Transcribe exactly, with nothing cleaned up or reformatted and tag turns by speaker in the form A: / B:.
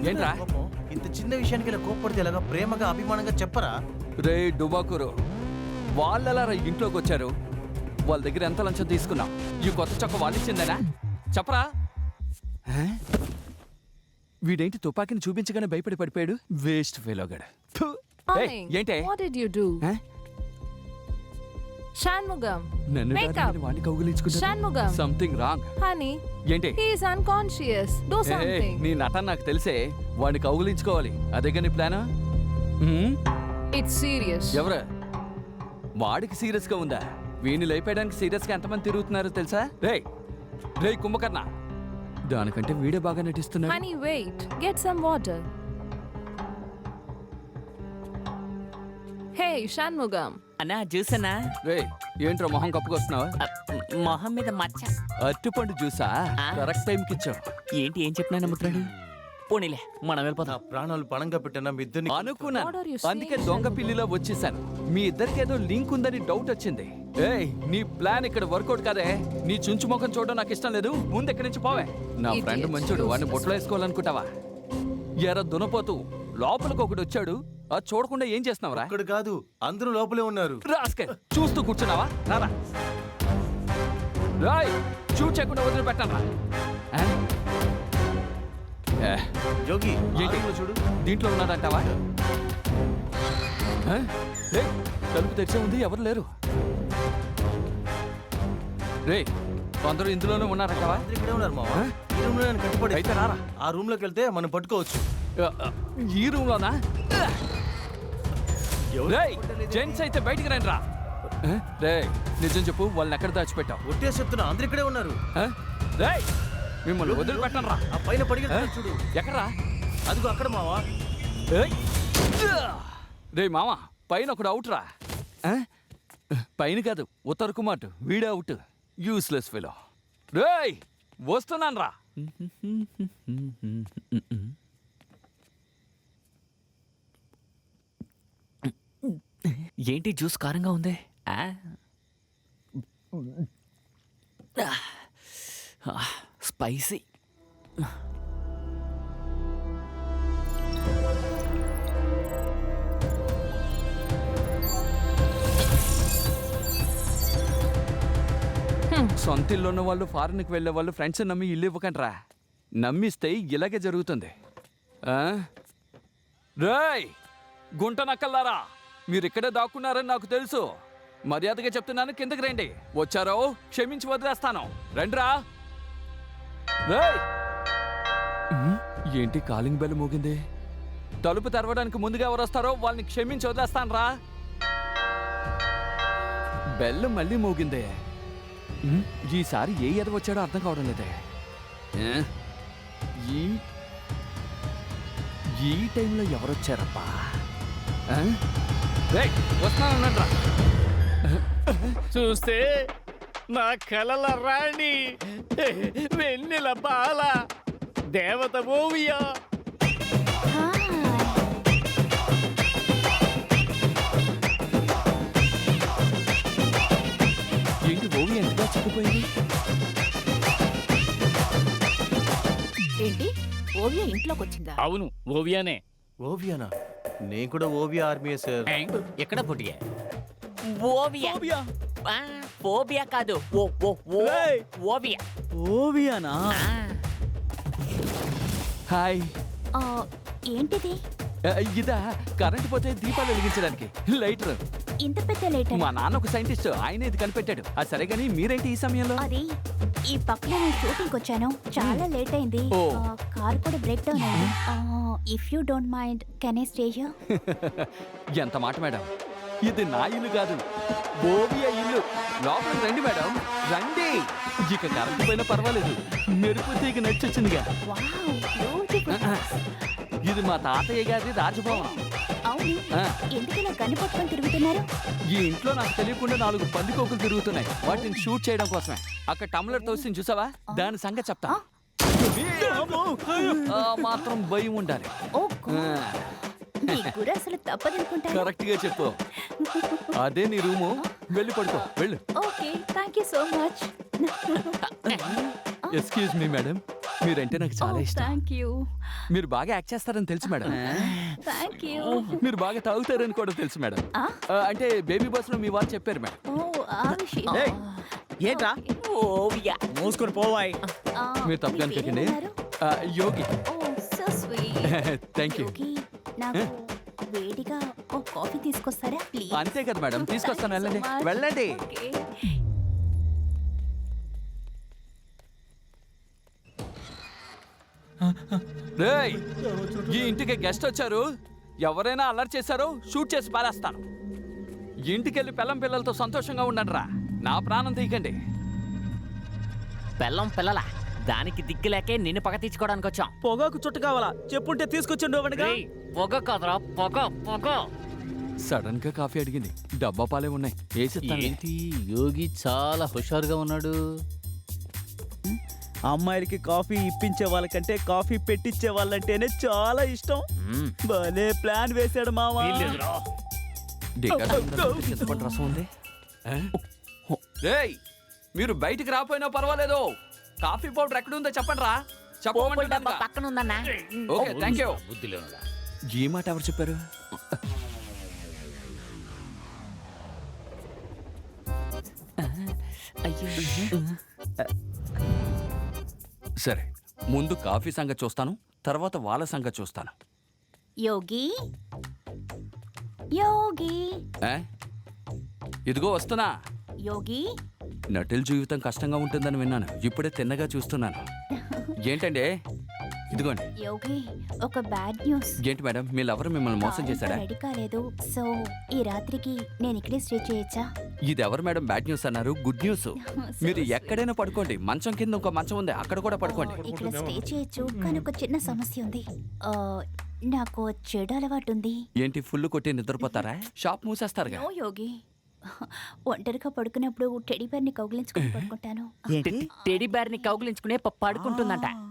A: ఏంట్రా
B: కోపం? ఇంత చిన్న విషయానికి ఇలా కోప్పడితే ఎలాగా? ప్రేమగా అభిమానంగా చెప్పరా?
A: రే డుబాకూరు, వాళ్ళెలా రా ఇంట్లోకి వచ్చారు? వాళ్ళ దగ్గర ఎంత లంచం తీసుకున్నావు? ఈ కొత్త చొక్క వాళ్ళు ఇచ్చిందేనా? చెప్పరా. హ? వీడేంటి తుపాకీని చూపించగానే భయపడి పడిపోయాడు? వేస్ట్ ఫెలోగాడు. ఏంటే
C: What did you do?
A: హ?
C: Shanmugam.
A: నన్ను
C: Wake
A: కాదు,
C: up.
A: నేను వాడిని కౌగిలించుకుంటా.
C: Shanmugam.
A: Something wrong.
C: Honey,
A: ఏంటి
C: he is unconscious. Do
A: ఏయ్,
C: something.
A: నీ నటన నాకు తెలిసే. వాడిని కౌగిలించుకోవాలి, అదేగా నీ ప్లాన్?
C: It's serious.
A: ఎవరు? వాడికి సీరియస్ గా ఉందా? వీడిని లేపేయడానికి సీరియస్ గా ఎంతమంది తిరుగుతున్నారో తెలుసా? రే రే కుంభకర్ణ, దానికంటే వీడే బాగా నటిస్తున్నాడు.
C: Honey, wait. Get some water. Hey, Shanmugam.
D: అన్నా జ్యూస్ అన్నా.
A: రే ఏంట్రా మొహం కప్పుకొస్తున్నావు?
D: మొహం మీద మచ్చ.
A: అరటిపండు జ్యూసా?
D: ఆ.
A: కరెక్ట్ టైంకి ఇచ్చావు.
D: ఏంటి ఏం చెప్పినా నమ్ముతున్నాడు? పోనీలే మనం
B: నా
D: వెళ్ళిపోతాం.
B: ప్రాణాలు పణంగా పెట్టిన మీ ఇద్దరిని
A: అనుకున్నాను,
C: What are you
A: అందుకే
C: saying,
A: దొంగ
C: Shanmugam?
A: పిల్లిలో వచ్చేసాను. మీ ఇద్దరికి ఏదో లింక్ ఉందని డౌట్ వచ్చింది. ఏయ్, నీ ప్లాన్ ఇక్కడ వర్కౌట్ కాదే. నీ చుంచు ముఖం చూడడం నాకు ఇష్టం లేదు. ముందు ఎక్కడి నుంచి పోవే. నా
C: Idiot.
A: ఫ్రెండ్ మంచోడు, వాడిని బొట్లో వేసుకోవాలనుకుంటావా? ఎర దునపోతూ లోపలికి ఒకటి వచ్చాడు. అది చూడకుండా ఏం చేస్తున్నావురా?
B: ఇక్కడ కాదు, అందరూ లోపలే ఉన్నారు.
A: రాస్కే, చూస్తూ కూర్చున్నావా? రారా రాయ్, చూడ్ చేయకుండా వదిలిపెట్టాను రా. ఆ? ఏ,
B: యోగి
A: ఏంటి?
B: ఆరులో చూడు.
A: దీంట్లో ఉన్నాడంటావా? ఆ? ఏ, తలుపు తెరిచే ఉంది, ఎవరు లేరు. రే, అందరూ ఇందులోనే ఉన్నారంటావా?
B: అందరూ ఇక్కడే ఉన్నారు మావా.
A: ఆ?
B: ఈ రూమ్ లో నేను కట్టుబడి
A: అయితే రారా.
B: ఆ రూమ్ లోకి వెళ్తే మనం పట్టుకోవచ్చు.
A: ఆ, ఆ, ఈ రూమ్ లోనా? రేయ్, జెంట్స్ అయితే బయటికి రండి రా. ఆ? రేయ్, నిజం చెప్పు, వాళ్ళని ఎక్కడ దాచిపెట్టావు?
B: ఒట్టే చెప్తున్నా, అందరూ ఇక్కడే ఉన్నారు.
A: ఆ? రేయ్, మిమ్మల్ని వదిలిపెట్టను రా.
B: ఆ పైన పడిగెత్తున్నారు చూడు.
A: ఎక్కడ్రా?
B: అదిగో అక్కడ మావా.
A: ఏయ్! రే మామ, పైన ఒకడు అవుట్ రా. ఆ? పైన కాదు, ఉత్తర్ కుమార్ వీడే అవుట్. Useless fellow. రేయ్, వస్తున్నాను రా.
D: ఏంటి జ్యూస్ కారంగా ఉంది? ఆ? ఆ, స్పైసీ.
A: సొంత ఇల్లు ఉన్న వాళ్ళు, ఫారెన్కి వెళ్ళే వాళ్ళు ఫ్రెండ్స్ నమ్మి ఇల్లు ఇవ్వకండి రా. నమ్మిస్తే ఇలాగే జరుగుతుంది. ఆ? రేయ్, గుంట నక్కల్లారా, మీరు ఇక్కడే దాక్కున్నారని నాకు తెలుసు. మర్యాదగా చెప్తున్నాను, కిందకి రండి. వచ్చారో క్షమించి వదిలేస్తాను. రండిరా. రేయ్! ఉమ్, ఏంటి కాలింగ్ బెల్ మోగింది? తలుపు తెరవడానికి ముందుగా ఎవరు వస్తారో వాళ్ళని క్షమించి వదిలేస్తాను రా. బెల్ మళ్ళీ మోగిందే. ఉమ్, ఈసారి ఏ ఎద వచ్చాడో అర్థం కావడం లేదే. ఏ? ఈ ఈ టైంలో ఎవరొచ్చారబ్బా? ఆ? రేయ్, వస్తున్నానన్నాడ్రా.
E: చూస్తే నా కలల రాణి, వెన్నెల బాల, దేవత ఓవియా.
A: ఏంటి ఓవి ఎంతగా చిక్కిపోయింది?
F: ఏంటి ఓవియా ఇంట్లోకి వచ్చిందా?
E: అవును, ఓవియానే.
B: ఓవియానా? నేను కూడా ఓవియా ఆర్మీయే సార్.
D: ఎక్కడ పుట్టిగా? ఓవియా. ఆ, ఫోబియా కాదు, ఓ ఓ ఓ
E: ఏయ్!
D: ఓవియా.
E: ఓవియానా?
D: ఆ,
A: హాయ్.
F: ఆ, ఏంటిది
A: ఆ, ఇదా కరెంట్ పోతే దీపాలు వెలిగించడానికి లైటర్.
F: ఇంత పెద్ద లేటర్?
A: మా నాన్న ఒక సైంటిస్ట్, ఆయన ఇది కనిపెట్టాడు. అది సరే గానీ మీరేంటి ఈ సమయంలో?
F: అది ఈ పక్కన నేను షూటింగ్ వచ్చాను, చాలా లేట్ అయింది.
A: ఓ.
F: ఆ, కార్ కూడా బ్రేక్ డౌన్ అయింది. If you don't mind can I stay here?
A: ఎంత మాట మేడం, ఇది నా ఇల్లు కాదు, ఓవియా ఇల్లు. లోపలికి రండి మేడం, రండి. ఇక కరెంట్ పోయినా పర్వాలేదు, మెరుపు తీగ నచ్చొచ్చిందిగా.
F: Wow, beautiful.
A: ఇది మా తాతయ్య గారి రాజభవనం.
F: అవును,
A: ఆ.
F: ఎందుకు ఇలా గన్ను పట్టుకొని తిరుగుతున్నారు?
A: ఈ ఇంట్లో నాకు తెలియకుండా నాలుగు పందికోకులు తిరుగుతున్నాయి, వాటిని షూట్ చేయడం కోసమే. అక్కడ టమ్లర్ తోసి చూసావా, దాని సంగతి చెప్తా. ఆ మాత్రం భయం ఉండాలి.
F: ఓ గాడ్, నీకు కూడా అసలు తప్పదనుకుంటా.
A: కరెక్ట్ గా చెప్పు. అదే నీ రూము, వెళ్ళి పడుకో, వెళ్ళు.
F: Okay, thank you so much.
A: Excuse me madam, మీరంటే నాకు చాలా ఇష్టం
C: థ్యాంక్ యూ
A: మీరు బాగా యాక్ట్ చేస్తారని తెలుసు మేడం
C: థ్యాంక్ యూ
A: మీరు బాగా తాగుతారని కూడా తెలుసు మేడం
F: ఆ?
A: ఆ, అంటే బేబీ బస్ లో మీ వాళ్ళు చెప్పారు మేడం
C: ఓ ఆ విషయం
E: ఏయ్, ఏంట్రా
D: ఓవియా
E: మూసుకొని పోవాయి
F: ఆ,
A: మీరు తప్పుగా
F: మీ
A: అనుకోకండి
F: పేరేమన్నారు?
A: ఆ, Yogi
F: oh so sweet
A: thank you
F: Yogi నాకు వేడిగా ఓ కాఫీ తీసుకొస్తారా ప్లీజ్
A: అంతే కదా మేడం తీసుకొస్తాను వెళ్ళండి
C: Thank you so much.
A: వెళ్ళండి
C: Okay.
A: రేయ్ ఈ ఇంటికి గెస్ట్ వచ్చారు ఎవరైనా అల్లరి చేశారో షూట్ చేసి పారేస్తాను ఇంటికెళ్ళి పిల్లం పిల్లలతో సంతోషంగా ఉండండి రా నా ప్రాణం తీయకండి
D: బెల్లం పిల్లల దానికి దిక్కులేకే నిన్ను పగ తీర్చుకోవడానికి వచ్చాం
E: పొగాకు చుట్ట కావాలా చెప్పుంటే తీసుకొచ్చిండు అవనిగా
D: రేయ్, పొగ కాదురా పొగ పొగ
A: సడన్ గా కాఫీ అడిగింది డబ్బా పాలే ఉన్నాయి వేసిస్తాను
E: ఏంటి యోగి చాలా హుషారుగా ఉన్నాడు అమ్మాయిలకి కాఫీ ఇప్పించే వాళ్ళకంటే కాఫీ పెట్టించే వాళ్ళంటేనే చాలా ఇష్టం
D: మ్మ్.
E: భలే ప్లాన్ వేశాడు మావా
A: డికాషన్ ఉందా? చింతపండు రసం ఉంది ఆ? రేయ్ మీరు బయటికి రాపోయినా పర్వాలేదు కాఫీ పౌడర్ ఎక్కడ ఉందో చెప్పండి రా
D: పోపుల డబ్బా
A: చెప్పమంటే
D: పక్కన ఉందన్నా
A: ఓకే థ్యాంక్ యూ ఈ మాట ఎవరు చెప్పారు
D: అయ్యో
A: సరే ముందు కాఫీ సంగతి చూస్తాను తర్వాత వాళ్ళ సంగతి చూస్తాను
F: యోగి యోగి
A: ఆ? ఇదిగో వస్తున్నా
F: యోగి
A: నటుల జీవితం కష్టంగా ఉంటుందని విన్నాను ఇప్పుడే తిన్నగా చూస్తున్నాను ఏంటండి ఇదిగోండి
F: యోగి ఒక బ్యాడ్ న్యూస్
A: ఏంటి మేడం మీ లవర్ మిమ్మల్ని మోసం చేశాడా
F: రెడీ కాలేదు సో ఈ రాత్రికి నేను ఇక్కడే స్టే చేయొచ్చా
A: ఇది ఎవరు మేడం బ్యాడ్ న్యూస్ అన్నారు గుడ్ న్యూస్ మీరు ఎక్కడైనా పడుకోండి మంచం కింద ఇంకో మంచం ఉంది అక్కడ కూడా పడుకోండి
F: ఇక్కడ స్టే చేయొచ్చు కానీ ఒక చిన్న సమస్య ఉంది ఆ, నాకు ఓ చెడు అలవాటు ఉంది
A: ఏంటి ఫుల్ కొట్టి నిద్రపోతారా షాప్ మూసేస్తారుగా
F: నో యోగి ఒంటరిగా పడుకున్నప్పుడు టెడీ బేర్ని కౌగిలించుకుని పడుకుంటాను
E: ఏంటి
D: టెడీ బేర్ ని కౌగిలించుకునే ప- పడుకుంటుందంట